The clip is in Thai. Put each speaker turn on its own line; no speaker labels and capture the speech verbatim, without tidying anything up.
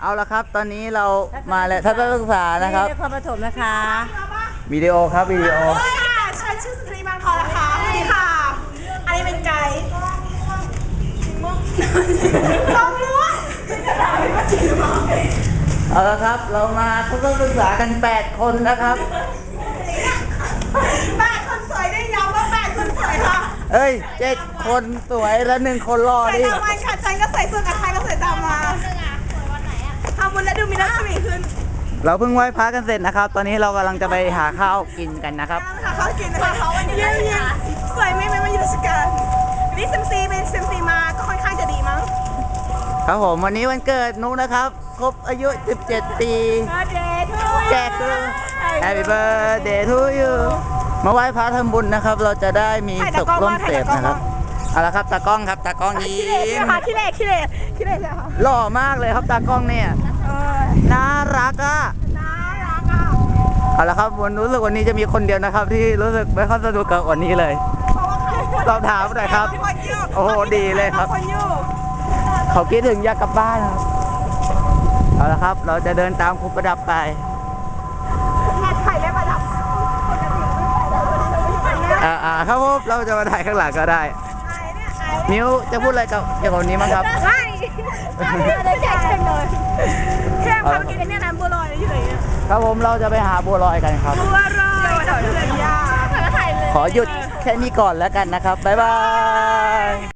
เอาละครับตอนนี้เรามาแล้วทัศนศึกษานะครับ
นครปฐมนะคะ
วิดีโอครับวิดีโอ
ใช้ชื่อสุนทรีบางทองนะคะสวัสดีค่ะ อันนี้เป็นไก่ต้องรู้ว่า
เอาละครับเรามาทัศนศึกษากันแปดคนนะครับ
แปดคนสวยได้ย้ำว่าแปดคนสวยค่ะ
เอ้ยเจ็ดคนสวยแล้วหนึ่งคนรอ
ใส่
ดิ
ตามวันค่ะฉันก็ใส่เสื้อกับใครก็ใส่ตามมาทำบุญและดูมีรัศมีขึ้น
เราเพิ่งไหว้พระกันเสร็จนะครับ ตอนนี้เรากำลังจะไปหาข้าวกินกันนะครับ
ค่ะเขากินนะคะเขาวันนี้เยี่ยมสวยไม่ไม่มาอยู่ราชการวันนี้เซมซีเป็นเซมซีมาก็ค่อนข้างจะดีมั้ง
ครับผมวันนี้วันเกิดนุ๊กนะครับครบอายุสิบเจ็ดปี
Birthday to
แจกคือ Happy birthday to you มาไหว้พระทำบุญนะครับ เราจะได้มีสุขร่วมเสพนะครับเอาละครับตากล้องครับตากล้องยิ้
ขี้เละ
ม
ค่ะขี้เละขี้เละขี้เละเลยค่ะ
หล่อมากเลยครับตากล้องเนี่ย
เออ
น่ารักอ่ะ
น่ารักอ่ะ
เอาละครับวันรู้สึกวันนี้จะมีคนเดียวนะครับ ที่รู้สึกไม่ค่อยสนุกกับวันนี้เลย
เพราะว่าเขา
สอบถามหน่อยครับ
คนยู่
โอ้โหดีเลยครับ
คนอยู่
เขาคิดถึงอยากกลับบ้านครับเอาละครับ เราจะเดินตามครูประดับไป
แม่ไข่และประดับปกติไม่ใส่เลย
อ่าอ่าครับผมเราจะมาถ่ายข้างหลังก็ได้
ไอ้เนี่ยไอ้
นิ้วจะพูดอะไรกับเกี่ยวกับวันนี้มั้างครับ
ไอ้ได้แจกเต็มเลยแค่ความกินเนี่ยน้ำบัวลอยอยู่ไหนเนี่ย
ครับผมเราจะไปหาบัวลอยกันครับ
บัวลอยเดี๋ยวเดี๋ยวยาถ่ายเลย
ขอหยุดแค่นี้ก่อนแล้วกันนะครับ บ๊ายบาย